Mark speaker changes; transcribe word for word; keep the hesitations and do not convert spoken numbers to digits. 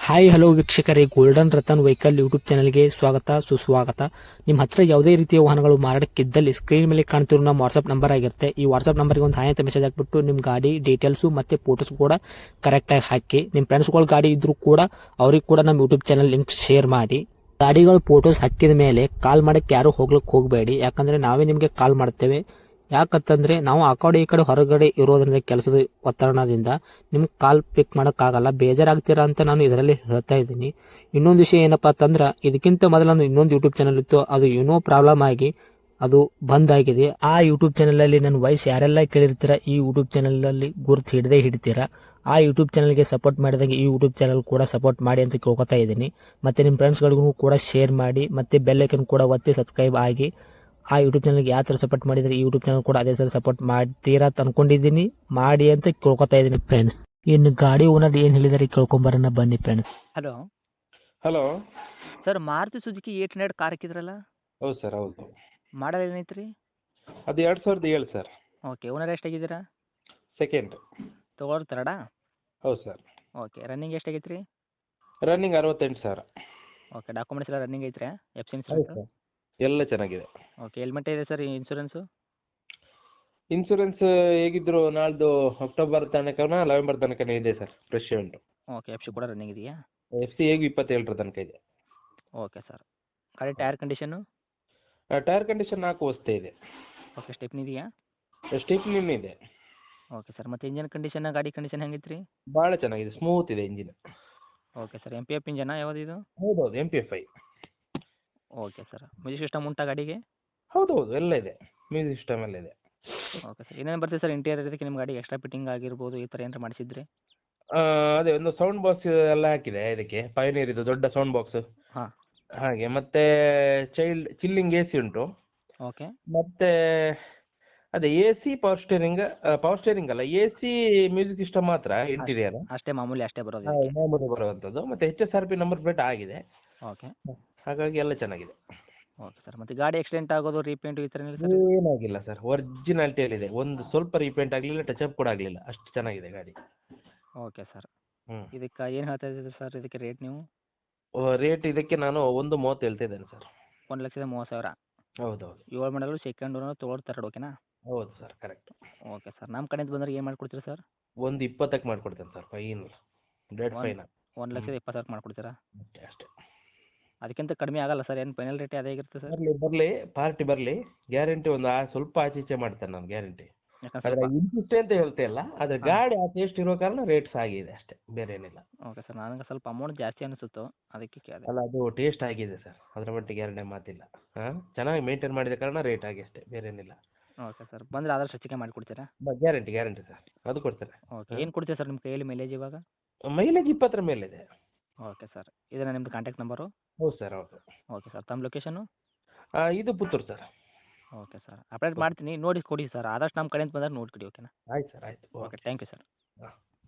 Speaker 1: Hi hello ವೀಕ್ಷಕರೇ, golden Ratan vehicle YouTube ಚಾನಲ್ಗೆ ಸ್ವಾಗತ ಸುಸ್ವಾಗತ. ನಿಮ್ಮ ಹತ್ರ ಯಾವುದೇ ರೀತಿಯ ವಾಹನಗಳು ಮಾರಾಟಕ್ಕಿದ್ದಲ್ಲಿ ಸ್ಕ್ರೀನ್ ಮೇಲೆ ಕಾಣ್ತಿರೋ ನಮ್ಮ ವಾಟ್ಸ್ಆಪ್ ನಂಬರ್ ಆಗಿರುತ್ತೆ. ಈ ವಾಟ್ಸ್ಆಪ್ ನಂಬರ್ಗೆ ಒಂದು ಹಾಯ್ ಅಂತ ಮೆಸೇಜ್ ಹಾಕ್ಬಿಟ್ಟು ನಿಮ್ಮ ಗಾಡಿ ಡೀಟೇಲ್ಸು ಮತ್ತೆ ಫೋಟೋಸ್ ಕೂಡ ಕರೆಕ್ಟಾಗಿ ಹಾಕಿ. ನಿಮ್ಮ ಫ್ರೆಂಡ್ಸ್ಗಳ ಗಾಡಿ ಇದ್ರೂ ಕೂಡ ಅವ್ರಿಗೆ ಕೂಡ ನಮ್ಮ ಯೂಟ್ಯೂಬ್ ಚಾನಲ್ ಲಿಂಕ್ ಶೇರ್ ಮಾಡಿ. ಗಾಡಿಗಳು ಫೋಟೋಸ್ ಹಾಕಿದ ಮೇಲೆ ಕಾಲ್ ಮಾಡಕ್ಕೆ ಯಾರು ಹೋಗ್ಲಿಕ್ಕೆ ಹೋಗಬೇಡಿ, ಯಾಕಂದ್ರೆ ನಾವೇ ನಿಮಗೆ ಕಾಲ್ ಮಾಡ್ತೇವೆ. ಯಾಕಂತಂದ್ರೆ ನಾವು ಆ ಕಡೆ ಈ ಕಡೆ ಹೊರಗಡೆ ಇರೋದ್ರಿಂದ ಕೆಲಸದ ಒತ್ತಡದಿಂದ ನಿಮ್ಗೆ ಕಾಲ್ ಪಿಕ್ ಮಾಡೋಕ್ಕಾಗಲ್ಲ, ಬೇಜಾರಾಗ್ತೀರಾ ಅಂತ ನಾನು ಇದರಲ್ಲಿ ಹೇಳ್ತಾ ಇದ್ದೀನಿ. ಇನ್ನೊಂದು ವಿಷಯ ಏನಪ್ಪಾ ಅಂತಂದ್ರೆ, ಇದಕ್ಕಿಂತ ಮೊದಲು ನಾನು ಇನ್ನೊಂದು ಯೂಟ್ಯೂಬ್ ಚಾನಲ್ ಇತ್ತು, ಅದು ಏನೋ ಪ್ರಾಬ್ಲಮ್ ಆಗಿ ಅದು ಬಂದ್ ಆಗಿದೆ. ಆ ಯೂಟ್ಯೂಬ್ ಚಾನಲ್ ಅಲ್ಲಿ ನನ್ನ ವಾಯ್ಸ್ ಯಾರೆಲ್ಲ ಕೇಳಿರ್ತೀರಾ, ಈ ಯೂಟ್ಯೂಬ್ ಚಾನಲ್ ಅಲ್ಲಿ ಗುರುತು ಹಿಡದೆ ಹಿಡಿತೀರಾ. ಆ ಯೂಟ್ಯೂಬ್ ಚಾನಲ್ಗೆ ಸಪೋರ್ಟ್ ಮಾಡಿದಾಗ ಈ ಯೂಟ್ಯೂಬ್ ಚಾನಲ್ ಕೂಡ ಸಪೋರ್ಟ್ ಮಾಡಿ ಅಂತ ಕೇಳ್ಕೊತಾ ಇದ್ದೀನಿ. ಮತ್ತೆ ನಿಮ್ಮ ಫ್ರೆಂಡ್ಸ್ಗಳಿಗೂ ಕೂಡ ಶೇರ್ ಮಾಡಿ, ಮತ್ತೆ ಬೆಲ್ ಐಕನ್ ಕೂಡ ಒತ್ತಿ ಸಬ್ಸ್ಕ್ರೈಬ್ ಆಗಿ. ಆ ಯೂಟ್ಯೂಬ್ ಚಾನಲ್ಗೆ ಯಾವ ಥರ ಸಪೋರ್ಟ್ ಮಾಡಿದರೆ ಈ ಯೂಟ್ಯೂಬ್ ಚಾನಲ್ ಕೂಡ ಅದೇ ಥರ ಸಪೋರ್ಟ್ ಮಾಡ್ತೀರಾ ಅಂತ ಅನ್ಕೊಂಡಿದ್ದೀನಿ. ಮಾಡಿ ಅಂತ ಕೇಳ್ಕೊತಾ ಇದ್ದೀನಿ ಫ್ರೆಂಡ್ಸ್. ಇನ್ನು ಗಾಡಿ ಓನರ್ ಏನು ಹೇಳಿದಾರೆ ಕೇಳ್ಕೊಂಬರೋಣ ಬನ್ನಿ friends.
Speaker 2: Hello
Speaker 3: hello.
Speaker 2: Sir, Maruti Suzuki eight hundred car ಹಾಕಿದ್ರಲ್ಲ,
Speaker 3: ಹೌದು ಸರ್, ಹೌದು.
Speaker 2: ಮಾಡಲ್ ಏನೈತೆ ರೀ?
Speaker 3: ಅದು ಎರಡು ಸಾವಿರದ ಏಳು ಸರ್.
Speaker 2: ಓಕೆ, ಓನರ್ ಎಷ್ಟಾಗಿದ್ದೀರಾ?
Speaker 3: ಸೆಕೆಂಡ್.
Speaker 2: ತೊಗೊಳೋರು ತರಡಾ?
Speaker 3: ಹೌದು ಸರ್.
Speaker 2: ಓಕೆ, ರನ್ನಿಂಗ್ ಎಷ್ಟಾಗೈತೆ ರೀ?
Speaker 3: ರನ್ನಿಂಗ್ ಅರವತ್ತೆಂಟು ಸಾವಿರ.
Speaker 2: ಓಕೆ, ಡಾಕ್ಯುಮೆಂಟ್ಸ್ ಎಲ್ಲ ರನ್ನಿಂಗ್ ಐತ್ರಿ? ಎಫ್ ಸಿ
Speaker 3: ಹೌದು
Speaker 2: ಇನ್ಸೂರೆನ್ಸ್?
Speaker 3: ಸರ್, ಎಲ್ಲ ಚೆನ್ನಾಗಿದೆ.
Speaker 2: ಓಕೆ, ಹೆಲ್ಮೆಟ್ ಇದೆ ಸರ್ ಇನ್ಸೂರೆನ್ಸು?
Speaker 3: ಇನ್ಸೂರೆನ್ಸ್ ಹೇಗಿದ್ರು ನಾಳ್ದು ಅಕ್ಟೋಬರ್ ತನಕ ನವೆಂಬರ್ ತನಕ ಇದೆ ಸರ್, ಫ್ರೆಶ್ ಉಂಟು.
Speaker 2: ಓಕೆ, ಎಫ್ ಸಿ ಕೂಡ ರನ್ನಿಂಗ್ ಇದೆಯಾ?
Speaker 3: ಎಫ್ ಸಿ ಹೇಗೂ ಇಪ್ಪತ್ತೇಳರ ತನಕ ಇದೆ.
Speaker 2: Okay sir. ಗಾಡಿ ಟೈರ್ ಕಂಡೀಷನು?
Speaker 3: ಟೈರ್ ಕಂಡೀಷನ್ ನಾಲ್ಕು ವಸ್ತೆ ಇದೆ.
Speaker 2: ಓಕೆ, ಸ್ಟೆಪ್ನಿ ಇದೆಯಾ?
Speaker 3: ಸ್ಟೆಪ್ನಿನೂ ಇದೆ.
Speaker 2: ಓಕೆ ಸರ್, ಮತ್ತು ಇಂಜನ್ ಕಂಡೀಷನ್, ಗಾಡಿ ಕಂಡೀಷನ್ ಹೆಂಗಿತ್ತು ರೀ?
Speaker 3: ಭಾಳ ಚೆನ್ನಾಗಿದೆ, ಸ್ಮೂತ್ ಇದೆ engine.
Speaker 2: Okay sir, M P F ಇಂಜನಾ ಯಾವುದು ಇದು?
Speaker 3: ಹೌದೌದು, M P F I.
Speaker 2: Okay sir, music system ಉಂಟಾ ಗಾಡಿಗೆ?
Speaker 3: ಹೌದೌದು, ಎಲ್ಲ ಇದೆ, ಮ್ಯೂಸಿಕ್ ಸಿಸ್ಟಮ್ ಎಲ್ಲ ಇದೆ.
Speaker 2: ಓಕೆ ಸರ್, ಏನೇನು ಬರ್ತದೆ ಸರ್ ಇಂಟೀರಿಯರ್ ಇದಕ್ಕೆ ನಿಮ್ಮ ಗಾಡಿ? ಎಕ್ಸ್ಟ್ರಾ ಫಿಟ್ಟಿಂಗ್ ಆಗಿರ್ಬೋದು, ಈ ಥರ ಏನಾರು ಮಾಡಿಸಿದ್ರಿ?
Speaker 3: ಆ, ಅದೇ ಒಂದು ಸೌಂಡ್ ಬಾಕ್ಸ್ ಎಲ್ಲ ಹಾಕಿದೆ ಇದಕ್ಕೆ, ಪಯನೀರ್ ಇದು ದೊಡ್ಡ ಸೌಂಡ್ ಬಾಕ್ಸ್.
Speaker 2: ಹಾಂ.
Speaker 3: ಹಾಗೆ ಮತ್ತೆ ಚೈಲ್ಡ್ ಚಿಲ್ಲಿಂಗ್ ಎ ಸಿ ಉಂಟು.
Speaker 2: ಓಕೆ.
Speaker 3: ಮತ್ತೆ ಅದೇ A C power steering, power steering ಅಲ್ಲ, ಎ ಸಿ ಮ್ಯೂಸಿಕ್ ಸಿಸ್ಟಮ್ ಮಾತ್ರ ಇಂಟೀರಿಯರ್.
Speaker 2: ಅಷ್ಟೇ ಮಾಮೂಲಿ, ಅಷ್ಟೇ ಬರೋದು ಇದಕ್ಕೆ?
Speaker 3: ಮಾಮೂಲಿ ಬರುವಂಥದ್ದು. ಮತ್ತೆ H S R P number plate ಆಗಿದೆ.
Speaker 2: ಓಕೆ.
Speaker 3: ಹಾಗಾಗಿ ಎಲ್ಲ ಚೆನ್ನಾಗಿದೆ.
Speaker 2: ಓಕೆ ಸರ್, ಮತ್ತು ಗಾಡಿ ಆಕ್ಸಿಡೆಂಟ್ ಆಗೋದು, ರೀಪೇಂಟ್ ಈ ಥರ ಏನಿಲ್ಲ ಸರ್?
Speaker 3: ಏನಾಗಿಲ್ಲ ಸರ್, ಒರಿಜಿನಾಲಿಟಿಯಲ್ಲಿದೆ. ಒಂದು ಸ್ವಲ್ಪ ರೀಪೇಂಟ್ ಆಗಲಿಲ್ಲ, ಟಚ್ ಅಪ್ ಕೂಡ ಆಗಲಿಲ್ಲ, ಅಷ್ಟು ಚೆನ್ನಾಗಿದೆ ಗಾಡಿ.
Speaker 2: Okay sir.
Speaker 3: ಹ್ಞೂ.
Speaker 2: ಇದಕ್ಕೆ ಏನು ಹೇಳ್ತಾ ಇದ್ದೀರಿ ಸರ್, ಇದಕ್ಕೆ ರೇಟ್ ನೀವು?
Speaker 3: ರೇಟ್ ಇದಕ್ಕೆ ನಾನು ಒಂದು ಮೂವತ್ತು ಹೇಳ್ತಾ ಇದ್ದೇನೆ ಸರ್.
Speaker 2: ಒಂದು ಲಕ್ಷದ ಮೂವತ್ತು ಸಾವಿರ?
Speaker 3: ಹೌದೌದು.
Speaker 2: ಏಳು ಮಾಡಲು ಸೆಕೆಂಡ್ ಓನರ್ ತೊಗೊಳೋದು ತರ್ಡ್, ಓಕೆನಾ?
Speaker 3: ಹೌದು ಸರ್, ಕರೆಕ್ಟ್.
Speaker 2: ಓಕೆ ಸರ್, ನಮ್ಮ ಕಡೆಯಿಂದ ಬಂದರೆ ಏನು ಮಾಡಿಕೊಡ್ತೀರಾ ಸರ್?
Speaker 3: ಒಂದು ಇಪ್ಪತ್ತಕ್ಕೆ ಮಾಡಿಕೊಡ್ತೇನೆ ಸರ್, ಫೈನಲ್, ಡೆಡ್
Speaker 2: ಒಂದು
Speaker 3: ಫೈನಲ್.
Speaker 2: ಒಂದು ಲಕ್ಷದ ಇಪ್ಪತ್ತು ಸಾವಿರ ಮಾಡಿಕೊಡ್ತೀರಾ?
Speaker 3: ಅಷ್ಟೇ ಅಷ್ಟೇ.
Speaker 2: ಅದಕ್ಕಿಂತ ಕಡಿಮೆ ಆಗಲ್ಲ ಸರ್? ಏನು ಫೈನಲ್ ರೇಟ್ ಅದೇ ಆಗಿರುತ್ತೆ ಸರ್?
Speaker 3: ಬರಲಿ ಬರಲಿ, ಪಾರ್ಟಿ ಬರಲಿ, ಗ್ಯಾರಂಟಿ ಒಂದು ಆ ಸ್ವಲ್ಪ ಆಚೆ ಈಚೆ ಮಾಡ್ತೇನೆ ನಾನು, ಗ್ಯಾರಂಟಿ.
Speaker 2: ಯಾಕಂದ್ರೆ
Speaker 3: ಆದರೆ
Speaker 2: ಸ್ವಲ್ಪ.
Speaker 3: ಇಂತಿಷ್ಟೇ ಅಂತ ಹೇಳ್ತಾ ಇಲ್ಲ, ಆದರೆ
Speaker 2: ಹಾಂ.
Speaker 3: ಗಾಡಿ ಆ ಟೇಸ್ಟ್ ಇರೋ ಕಾರಣ ರೇಟ್ಸ್ ಆಗಿದೆ ಅಷ್ಟೇ, ಬೇರೆ ಏನಿಲ್ಲ.
Speaker 2: ಓಕೆ ಸರ್, ನನಗೆ ಸ್ವಲ್ಪ ಅಮೌಂಟ್ ಜಾಸ್ತಿ ಅನಿಸುತ್ತು, ಅದಕ್ಕೆ ಕೇಳಿದೆ.
Speaker 3: ಅಲ್ಲ, ಅದು ಟೇಸ್ಟ್ ಆಗಿದೆ ಸರ್, ಅದರ ಮಟ್ಟಿಗೆ ಎರಡನೇ ಮಾತಿಲ್ಲ. ಹಾಂ, ಚೆನ್ನಾಗಿ ಮೇಂಟೈನ್ ಮಾಡಿದ ಕಾರಣ ರೇಟ್ ಆಗಿ ಅಷ್ಟೇ, ಬೇರೆ ಏನಿಲ್ಲ.
Speaker 2: ಓಕೆ ಸರ್, ಬಂದರೆ ಆದಷ್ಟು ಹೆಚ್ಚಿಗೆ ಮಾಡಿಕೊಡ್ತೀರಾ?
Speaker 3: ಗ್ಯಾರಂಟಿ ಗ್ಯಾರಂಟಿ ಸರ್, ಅದು ಕೊಡ್ತೇನೆ.
Speaker 2: ಓಕೆ, ಏನು ಕೊಡ್ತೀರಾ ಸರ್ ನಿಮ್ಮ ಕೈಯಲ್ಲಿ ಮೈಲೇಜ್ ಇವಾಗ?
Speaker 3: ಮೈಲೇಜ್ ಇಪ್ಪತ್ತರ ಮೇಲಿದೆ.
Speaker 2: ಓಕೆ ಸರ್, ಇದನ್ನ ನಿಮ್ಮದು ಕಾಂಟ್ಯಾಕ್ಟ್ ನಂಬರು?
Speaker 3: ಹೌದು ಸರ್, ಹೌದು.
Speaker 2: ಓಕೆ ಸರ್, ತಮ್ಮ ಲೊಕೇಶನು?
Speaker 3: ಆ, ಇದು Puttur sir.
Speaker 2: Okay sir, update ಮಾಡ್ತೀನಿ, ನೋಡಿ ಕೊಡಿ ಸರ್, ಆದಷ್ಟು ನಮ್ಮ ಕಡೆಯಿಂದ ಬಂದಾಗ ನೋಡಿ ಕೊಡಿ, ಓಕೆನಾ?
Speaker 3: ಆಯ್ತು ಸರ್, ಆಯ್ತು.
Speaker 2: Okay, thank you sir.
Speaker 3: ಹಾಂ.